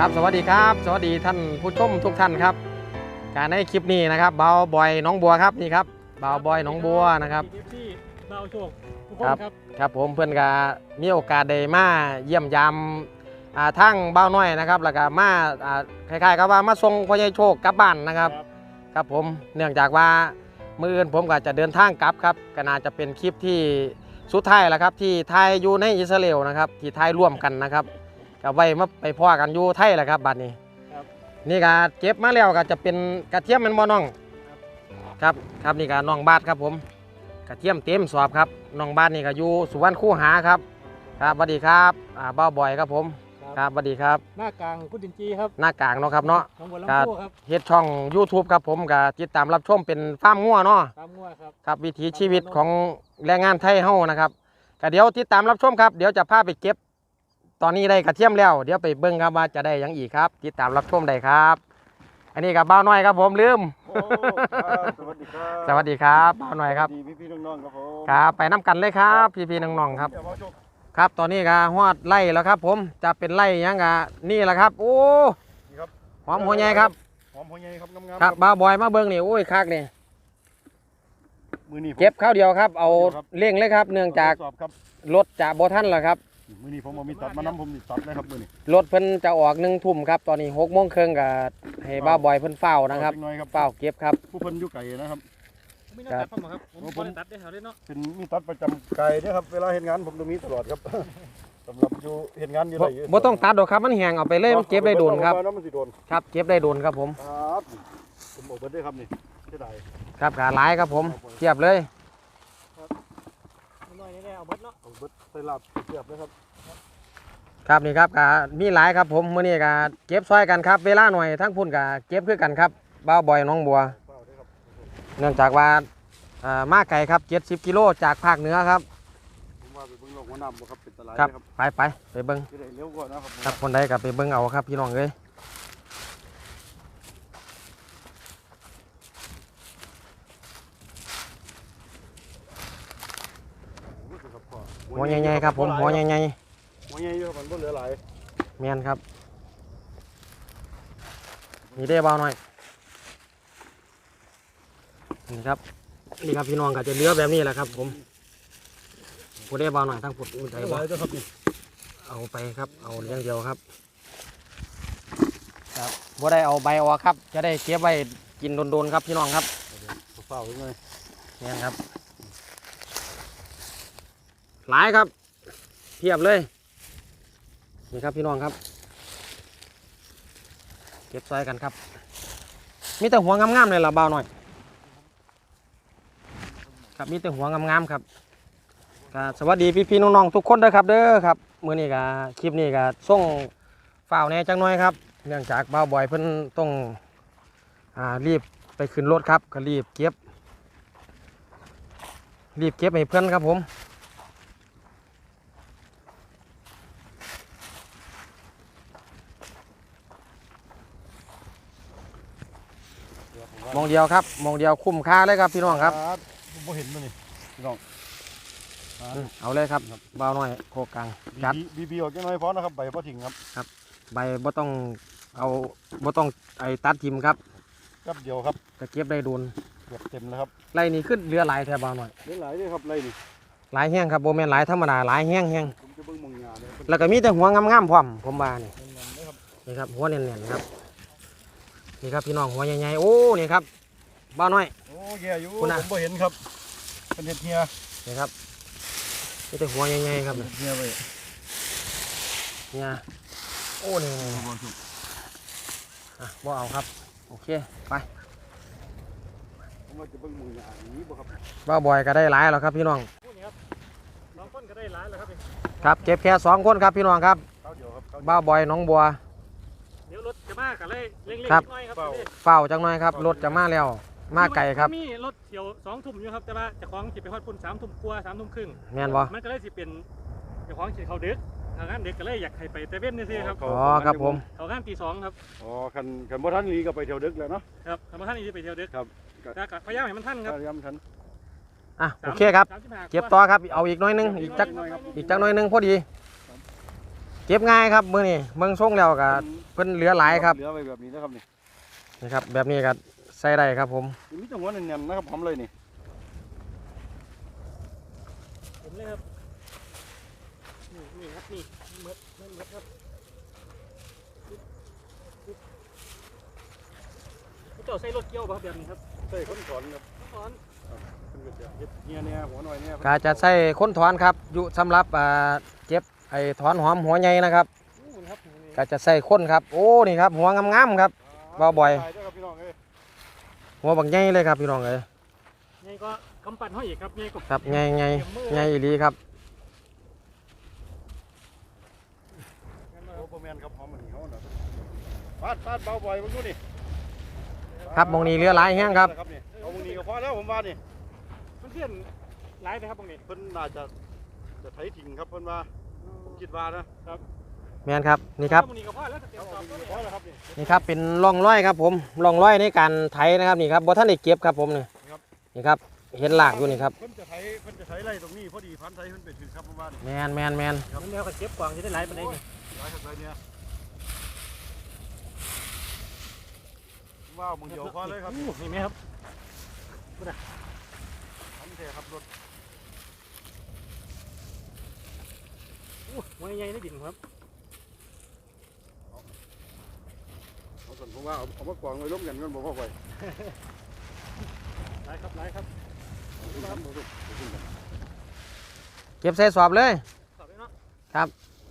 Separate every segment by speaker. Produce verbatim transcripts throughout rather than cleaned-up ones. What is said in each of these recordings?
Speaker 1: ครับสวัสดีครับสวัสดีท่านผู้ชมทุกท่านครับการในคลิปนี้นะครับเบาบอยน้องบัวครับนี่ครับเบาบอยน้องบัวนะครับ
Speaker 2: เบาโชคทุกคน
Speaker 1: ครับ
Speaker 2: ครับ
Speaker 1: ครับผมเพื่อนก็มีโอกาสได้มาเยี่ยมยามอ่าทั้งเบาน้อยนะครับแล้วก็มาอ่าคล้ายๆกับว่ามาส่งพ่อใหญ่โชคกลับบ้านนะครับครับผมเนื่องจากว่ามื้ออื่นผมก็จะเดินทางกลับครับก็น่าจะเป็นคลิปที่สุดท้ายแล้วครับที่ไทยอยู่ในอิสราเอลนะครับที่ไทยร่วมกันนะครับก็ไว้มาไปพ่อกันอยู่ไทยแหละครับบัดนี้นี่ก็เก็บมาแล้วก็จะเป็นกระเทียมมันบ่น้องครับครับนี่ก็น้องบาทครับผมกระเทียมเต็มสอบครับน้องบาทนี่ก็อยู่สุวรรณคูหาครับครับสวัสดีครับอ่าบ้าบ่อยครับผมครับสวัสดีครับ
Speaker 2: หน้ากลางกุดินจีครับ
Speaker 1: หน้ากลางเนาะครับเนาะ
Speaker 2: ของบัว
Speaker 1: ก็
Speaker 2: ลำพูครับ
Speaker 1: เฮ็ดช่อง YouTube ครับผมก็ติดตามรับชมเป็นฟาร์มงัวเนาะ
Speaker 2: ตามงัวครับ
Speaker 1: ครับวิถีชีวิตของแรงงานไทยเฮานะครับก็เดี๋ยวติดตามรับชมครับเดี๋ยวจะพาไปเก็บตอนนี้ได้กระเทียมแล้วเดี๋ยวไปเบิ่งครับว่าจะได้หยังอีกครับติดตามรับชมได้ครับ อันนี้กับบ้าวน้อยครับผมลืม
Speaker 3: โอ้ครับสวัสดีครับ
Speaker 1: สวัสดีครับบ้าวน้อยครับ
Speaker 3: สวัสดีพี่พี่ๆน้องๆครับผม
Speaker 1: ครับไปน้ำกันเลยครับพี่ๆน้องๆครับ
Speaker 3: เดี๋ยวมาชม
Speaker 1: ครับตอนนี้ก็ฮอดไล่แล้วครับผมจะเป็นไล่หยังกะนี่แหละครับโอ้
Speaker 3: นี่ครับ
Speaker 1: หอมหัวใหญ่ครับ
Speaker 3: หอมหัวใหญ่ครับงามๆ
Speaker 1: ครับบ้าวบอยมาเบิ่งนี่โอ้ยคักนี่
Speaker 3: มือนี้ผม
Speaker 1: เก็บข้าวเดียวครับเอา
Speaker 3: เดียวครับ
Speaker 1: เร่งเลยครับเนื่องจาก
Speaker 3: ทดสอบครับ
Speaker 1: รถจะบ่ทันแล้วครับ
Speaker 3: มือนี้ผมเอามีตัดมาน้ำผมนี่ตัดเลยครับมือนี้
Speaker 1: รถเพิ่นจะออกหนึ่งทุ่มครับตอนนี้หกโมงครึ่งกับให้บ้าวบอยเพิ่นเฝ้านะครับ
Speaker 3: เอาจักหน้อยครับ
Speaker 1: เฝ้าเก็บครับ
Speaker 3: ผู้เพิ่นอยู่ไก่นะครับ
Speaker 2: ไม่น่าตัดผมครับผม
Speaker 3: ครับ
Speaker 2: ไม่ได้ตัดได้แถวเลยเนาะ
Speaker 3: เป็นมีตัดประจำไก่เด้อครับเวลาเห็นงานผมต้องมีตลอดครับ สำหรับอยู่เห็นงานอยู่
Speaker 1: บ่
Speaker 3: ไรอยู่
Speaker 1: บ่ต้องตัดดอกครับมันแห้งเอาไปเลยมันเก็บได้โดนครับ
Speaker 3: เอาไปน้ำมันสิโดน
Speaker 1: ครับเก็บได้โดนครับผม
Speaker 3: ครับผมบอกเบิดได้ครับนี่เสียดาย
Speaker 1: ครับขาหลายครับผมเทียบเลย
Speaker 2: น้อยนี่แหละเอาเบิดเนาะ
Speaker 3: เอาเบิดใส่ลาบเสียบเลยครับ
Speaker 1: ครับนี่ครับก็มีหลายครับผมมื้อนี้ก็เก็บซอยกันครับเวลาหน่อยทั้งพุ่นก็เก็บคือกันครับบ้าวบอยน้องบัว
Speaker 3: เปล่าเด้อครับ
Speaker 1: เนื่องจากว่าอ่ามาไกลครับเจ็ดสิบกิโลจากภาคเหนือครับ
Speaker 3: ผมว่าไปเบิ่งโลกหัวน้ำบ่ครับเป็นตลาด
Speaker 1: ครับ
Speaker 3: เลยครับ
Speaker 1: ไปไปไปเบิ้ง
Speaker 3: จะได้เร็วกว่านะครับผม
Speaker 1: ครับคนใดก็ไปเบิ้งเอาครับพี่น้องเอ้ย หัวใหญ่ๆครับผมหัวใหญ่
Speaker 3: หัวใหญ่อยู่ครับมันบ่เหลือหลาย
Speaker 1: ๆเมียนครับนี่ได้เบาหน่อยนี่ครับนี่ครับพี่น้องก็จะเหลือแบบนี้แหละครับผมผู้ได้เบาหน่อยทั้งผุดอุ่นใจ
Speaker 3: เหลือ
Speaker 1: บ่
Speaker 3: หลายเด้อครับนี่
Speaker 1: เอาไปครับเอาอย่างเดียวครับครับบ่ได้เอาใบออกครับ จะได้เก็บไว้กินโดนๆครับพี่น้องครับ
Speaker 3: เปล่าๆเลย
Speaker 1: นี่ครับหลายครับเทียบเลยนี่ครับพี่น้องครับ เก็บซอยกันครับมีแต่หัวงามๆเลยล่ะเบาหน่อยครับมีแต่หัวงามๆครับก็สวัสดีพี่ๆน้องๆทุกคนด้วยครับเด้อครับมื้อนี้ก็คลิปนี้ก็ส่งฝ่าวแหน่จังน้อยครับเนื่องจากเบาบ่อยเพิ่นต้องอ่ารีบไปขึ้นรถครับก็รีบเก็บรีบเก็บให้เพื่อนครับผมมองเดียวครับมองเดียวคุ้มค่าเลยครับพี่น้องครับ
Speaker 3: ผมบ่เห็นมันนี่พี่น้อง
Speaker 1: อืมเอาเลยครับเบาหน่อยโคกลางจัด
Speaker 3: บีบีออกจังน้อยพอนะครับใบพอทิ้งครับ
Speaker 1: ใบบ่ต้องเอาบ่ต้องไอ้ตัดทิมครับ
Speaker 3: กับเดียวครับ
Speaker 1: ก็เก็บได้โดน
Speaker 3: เกือบเต็มแล้วครับ
Speaker 1: ไล่นี่ขึ้นเรือหลายแถวเบาหน่อย
Speaker 3: เหลือหลายเลยครับไรนี่
Speaker 1: หลายแห้งครับโบแมนหลายธรรมดาหลายแห้งแห้ง
Speaker 3: ผมจะเบิ่งมองงานเลยครับ
Speaker 1: แล้วก็มีแต่หัวงามๆพร้อมผมว่านี่
Speaker 3: เป็นเงินเลยครับ
Speaker 1: นี่ครับหัวเน่นๆครับนี่ครับพี่น้องหัวใหญ่ๆโอ้นี่ครับเบาหน่อย
Speaker 3: โอ้แย่อยู่
Speaker 1: คุณ
Speaker 3: ผ
Speaker 1: น่ะ
Speaker 3: มบ่เห็นครับเป็นเห็ดเฮีย
Speaker 1: นี่ครับมีแต่หัวใหญ่ๆครับ
Speaker 3: เห็ดเฮียไป
Speaker 1: เนี่ยโอ้นี่อ่ะบ่เอาครับโอเคไป
Speaker 3: ผมว่าจะเบิ่งมองงานนี้บ่ครับ
Speaker 1: บ้าบอยก็ได้หลายแล้วครับพี่น้อง
Speaker 2: พูดนี่ครับสองคนก็ได้หลายแล้วครับ
Speaker 1: ครับเก็บแค่สองคนครับพี่น้องครับ
Speaker 3: เข้าเดียวครับเข้าเดียว
Speaker 1: บ้าบอยน้องบัว
Speaker 2: เดี๋ยวรถจะมากันเลยเร่งๆนิ
Speaker 1: ครับ
Speaker 2: ดหน่อยครับ
Speaker 1: เฝ้าจังหน่อยครับรถจะมาแล้วมาไก่ครับ
Speaker 2: มีรถเที่ยวสองทุ่มอยู่ครับแต่ว่าเจ้าของจิไปฮอดพุ่นสามทุ่มกว่าสามทุ่มครึ่ง
Speaker 1: แม่นบ่
Speaker 2: มันก็เลยสิเป็นเจ้าของจิเขาดึกทางงานเด็กก็เลยอยากให้ไปแต่เว้นนี่สิครับ
Speaker 1: อ๋อครับผม
Speaker 2: เขางานตีสองครับ
Speaker 3: อ๋อคันคันบ่ทันหลีก็ไปเที่ยวดึกแล้วเนาะ
Speaker 2: ครับทำมาท่านนี้ไปเที่ยวดึก
Speaker 3: ครับ
Speaker 2: แต่ก็พยายามให้มันทันครับ
Speaker 3: พยายามทัน
Speaker 1: อ่ะโอเคครับ
Speaker 2: สามสิบห้า
Speaker 1: เก็บต่อครับเอาอีกหน้อยหนึงอีกจักอีกจักหน้อยหนึงพอดีเก็บง่ายครับมื้อนี้เมืองส่งแล้วก็เพิ่นเหลือหลายครับ
Speaker 3: เหลือไว้แบบนี้นะครับนี่
Speaker 1: นี่ครับแบบนี้ก็ใส่ได้ครับผม
Speaker 3: มีจังหวะเนียนๆนะครับพร้อมเลยนี่
Speaker 2: เห็นเลยครับนี่นี่ครับนี่เมิดเมิดเมิดครับเจ้าใส่รถเกี่ยวป่ะครับแบบนี้ครับ
Speaker 3: ใส่คนสอนครับ
Speaker 2: สอน
Speaker 3: เพิ่นก็จะเฮ็ดเงี้ยเนี่ยหัวหน่อยเนี่ย
Speaker 1: ก็จะใส่ค้นถอนครับอยู่สำหรับอ่าเจ็บไอ้ถอนหอมหัวใหญ่นะครับ
Speaker 2: อู้ครับนี่
Speaker 1: ก็จะใส่ค้นครับโอ้นี่ครับหัวงามๆครับ บ่บ่อย
Speaker 3: ตาเด้ครับพี่น้องเอ้ย
Speaker 1: หัวบักใหญ่เลยครับพี่น้องเอ้ย
Speaker 2: นี่ก็กำปั้นห้อยอีกครับนี่ก็
Speaker 1: ครับใหญ่ใหญ่ใหญ่อีหลีครับ
Speaker 3: โอ้บ่แม่นครับหอมมันนี่เฮาน่ะฟาดฟาดเบาบ่อยเบิ่งดูนี่
Speaker 1: ครับหมองนี้เหลือหลายแห้งครับ
Speaker 3: นี่เอาหมองนี้ก็พอแล้วผมว่านี่
Speaker 2: มันเพื่อนหลายนะครับตรงนี้
Speaker 3: เพิ่นน่าจะจะไถทิ้งครับเพิ่นว่าผมคิดว่านะ
Speaker 1: แม่นครับนี่ครับ
Speaker 2: ตรงนี้ก็พอแล้วเตรีย
Speaker 3: เอา
Speaker 2: ม
Speaker 3: หม
Speaker 2: สอ
Speaker 3: อบ ง
Speaker 2: ตัวนี้
Speaker 3: นี้ก็พอแล้วครับนี่
Speaker 1: นี่ครับเป็นร่องรอยครับผมร่องรอยในการไถนะครับนี่ครับบ่ทันได้เก็บครับผมนี่นี่ครับเห็นหลากอยู่นี่ครับ
Speaker 3: เพิ่นจะไถเพิ่นจะไถไร่ตรงนี้พอดีพันไถเพิ่นไปถึงครับผมว่านี่
Speaker 1: แมนแมนแมน
Speaker 2: มันแนวกันเก็บกวางจะได้หลายปานใดนี่
Speaker 3: หลายครับหลายเนี่ยว้าวมึงเดียวพอเลยครับ
Speaker 2: อู้นี่ไหมครับ
Speaker 3: ทำแท้ครับรถ
Speaker 2: อู้หัวใหญ่ในดินครับ
Speaker 3: เอาส่วนผมว่าเอาเอามากวางไว้ล้มกันกันบ่พอไป
Speaker 2: หลายครับหลายครับ
Speaker 3: ครับบ่ลูกบ่ขึ้นกัน
Speaker 1: เก็บใส่สอบเลย
Speaker 2: สอบเลยเนาะ
Speaker 1: ครับ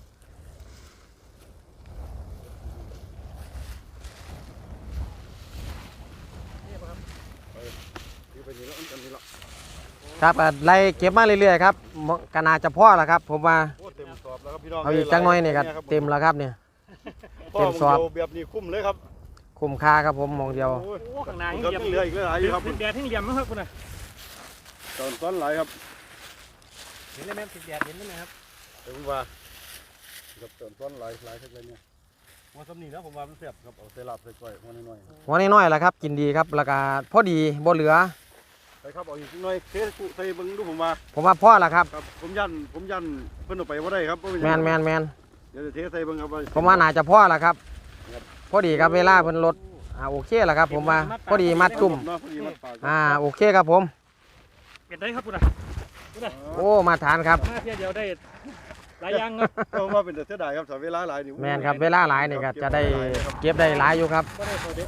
Speaker 2: นี่ป่ะครับ
Speaker 3: คือไปนี่แล้วอันนี้ละ
Speaker 1: ครับก็ไล่เก็บมาเรื่อยๆครับมก็น่าจะพอแล้วครับผมว่า
Speaker 3: โอ้เต็มสอบแล้วครับพี่น้อง
Speaker 1: เอาอีกจังหน่อยนี่ก็เต็มแล้วครับเนี่ย
Speaker 3: พ่อ
Speaker 1: เต็มสอบ
Speaker 3: มึงเดียวแบบนี้คุ้มเลยครับ
Speaker 1: คุ้มค่าครับผมมองเดียว
Speaker 3: โอ้ย
Speaker 2: โอ้ข้างหน้า
Speaker 3: มัน
Speaker 2: ให้
Speaker 3: ก็
Speaker 2: เหลี่ยม
Speaker 3: เหลืออีกหลายอยู่ครับ
Speaker 2: ติดแดดให้เหลี่ยมมั้งครับคุณน่ะ
Speaker 3: ตอนซ้อนหลายครับ
Speaker 2: เห็นเลยไหมติดแดดเห็นไหมครับ
Speaker 3: เดี๋ยวผมว่ากับตอนซ้อนหลายหลายเท่าไรเนี่ยหัวสำนีแล้วผมว่ามันเสียบครับเอาใส่ลาบใส่ก้อยหัวน้อย
Speaker 1: หัวน้อยๆแหละครับกินดีครับแล้วก็พอดีบ่เหลือ
Speaker 3: ๆไปครับเอาอีกหน่อยเทกุใส่เบิ่งดูผมว่า
Speaker 1: ผมว่าพอแล้วครับ
Speaker 3: ครับผมยันผมยันเพิ่นเอาไปว่าได้ครับบ่เป็
Speaker 1: แม
Speaker 3: หยั
Speaker 1: น
Speaker 3: ง
Speaker 1: แมนแมน
Speaker 3: เดี๋ยวจะเทใส่เบิ่งครับว่า
Speaker 1: ผมว่าน่าจะพอแล้วครับ พอดีครับเวลาเพิ่นลดอ่าโอเคแล้วครับ ผมว่าพอดีมัดจุ่ม
Speaker 3: เนาะพอดีมัดปาก
Speaker 1: อ่าโอเคครับผม
Speaker 2: เป็นได้ครับคุณน่ะคุณน่ะ
Speaker 1: โอ้มาทานครับ
Speaker 2: มาเที่ยวเดียวได้หลายอย่างครับ
Speaker 3: เพราะว่าเป็นแต่เสียดายครับถ้าเวลาหลายนี่
Speaker 1: แมนครับเวลาหลายนี่ก็จะได้เก็บได้หลายอยู่ครับ
Speaker 2: ก็ได้ตัวเด็ก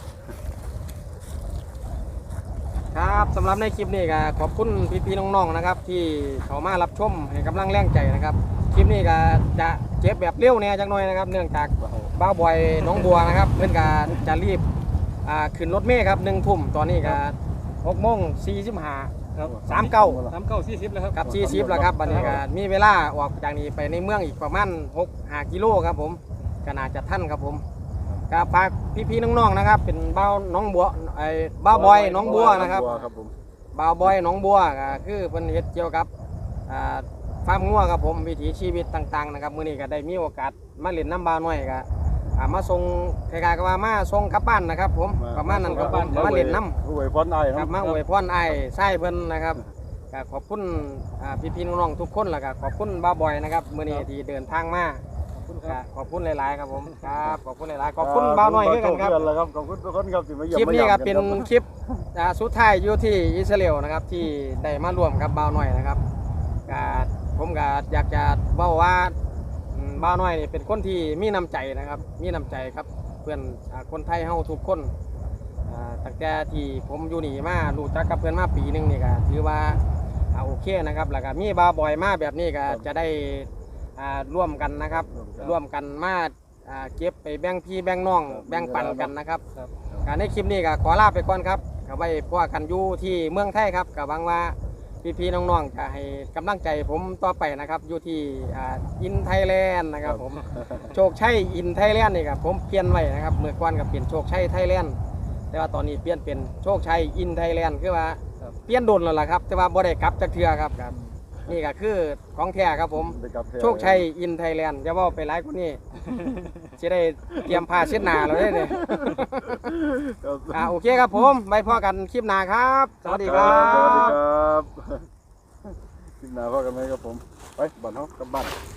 Speaker 1: ครับสำหรับในคลิปนี้ก็ขอบคุณพี่ๆน้องๆนะครับ ที่เขามารับชมให้กำลังแรงใจนะครับคลิปนี้ก็จะเก็บแบบเร็วเนี่ยจังหน่อยนะครับ เนื่องจากบ้าวบอยน้องบัวนะครับ เพื่อนก็จะรีบอ่าขึ้นรถเมล์ครับหนึ่งทุ่มตอนนี้ก็หกโมงสี่สิบห้า
Speaker 2: ครับ
Speaker 1: สามเก้า
Speaker 2: สามเก้าสี่สิบแล้วครับ
Speaker 1: กับสี่สิบแล้วครับบัดนี้ก็มีเวลาออกจากนี้ไปในเมืองอีกประมาณหกห้ากิโลครับผมก็น่าจะทันครับผมก็ฝากพี่ๆน้องๆนะครับ เป็นบ้าวน้องบัวไอ้บ้าวบอยน้องบัวนะครับ
Speaker 3: ครับผม
Speaker 1: บ่าวบอยหนองบัวก็คือเพิ่นเฮ็ดเกี่ยวกับอ่าฟาร์มงัวครับผมวิถีชีวิตต่างๆนะครับมื้อนี้ก็ได้มีโอกาสมาเล่นน้ำบ่าวน้อยก็อ่ามาส่งคล้ายๆกับว่ามาส่งกลับบ้านนะครับ ผมประมาณนั้นครับผมมาเล่นน้ำ
Speaker 3: อวยพรอ้าย
Speaker 1: ครับมาอวยพรอ้ายไส้เพิ่นนะครับก็ขอบคุณอ่าพี่ๆน้องๆทุกคนแล้วก็ขอบคุณบ่าวบอยนะครับมื้อนี้ที่เดินทางมาก็ขอบคุณหลายๆครับผมครับขอบคุณหลายๆขอบคุณบ่าวน้อยด้วยกันครับ
Speaker 3: ขอบคุณทุกคนครับที่มาเยี่ยม
Speaker 1: คลิปนี้ก็เป็น
Speaker 3: มา
Speaker 1: คลิปอ่าสุดท้ายอยู่ที่อิสราเอลนะครับที่ได้มาร่วมกับบ่าวน้อยนะครับก็ผมก็อยากจะเว้าว่าอืมบ่าวน้อยนี่เป็นคนที่มีน้ำใจนะครับ มีน้ำใจครับเพื่อนอ่าคนไทยเฮาทุกคนอ่าตั้งแต่ที่ผมอยู่นี่มารู้จักกับเพื่อนมาปีหนึงนี่ก็ถือว่าอ่าโอเคนะครับแล้วก็มีบ่าวบอยมาแบบนี้ก็จะได้อ่าร่วมกันนะครับ ร่วมกันมาอ่าเก็บไปแบ่งพี่แบ่งน้องแบ่งปันกันนะครับ การในคลิปนี้ก็ขอลาไปก่อนครับก็ไว้พวกกันอยู่ที่เมืองไทยครับก็หวังว่าพี่ๆน้องๆจะให้กำลังใจผมต่อไปนะครับอยู่ที่อินไทยแลนด์นะครับผม โชคชัยอินไทยแลนด์นี่ครับผมเปลี่ยนไว้นะครับเมื่อก่อนก็เปลี่ยนโชคชัยไทยแลนด์แต่ว่าตอนนี้เปลี่ยนเป็นโชคชัยอินไทยแลนด์คือว่าเปลี่ยนโดนแล้วล่ะครับแต่ว่าบ่ได้กลับจักเทื่อครับครับนี่ก็คือของแท้ครับผม โชคชัยอินไทยแลนด์อย่าว่าไปหลายคนนี้ จะได้เตรียมผ้าเช็ดหน้าเราได้เลย อ่าโอเคครับผมไว้พอกันคลิปหน้าครับ สวัสดีครั
Speaker 3: สวัสดี
Speaker 1: บ
Speaker 3: ครับคลิปหน้าพ่อกันไหมครับผมไปบ้านเฮากลับบ้าน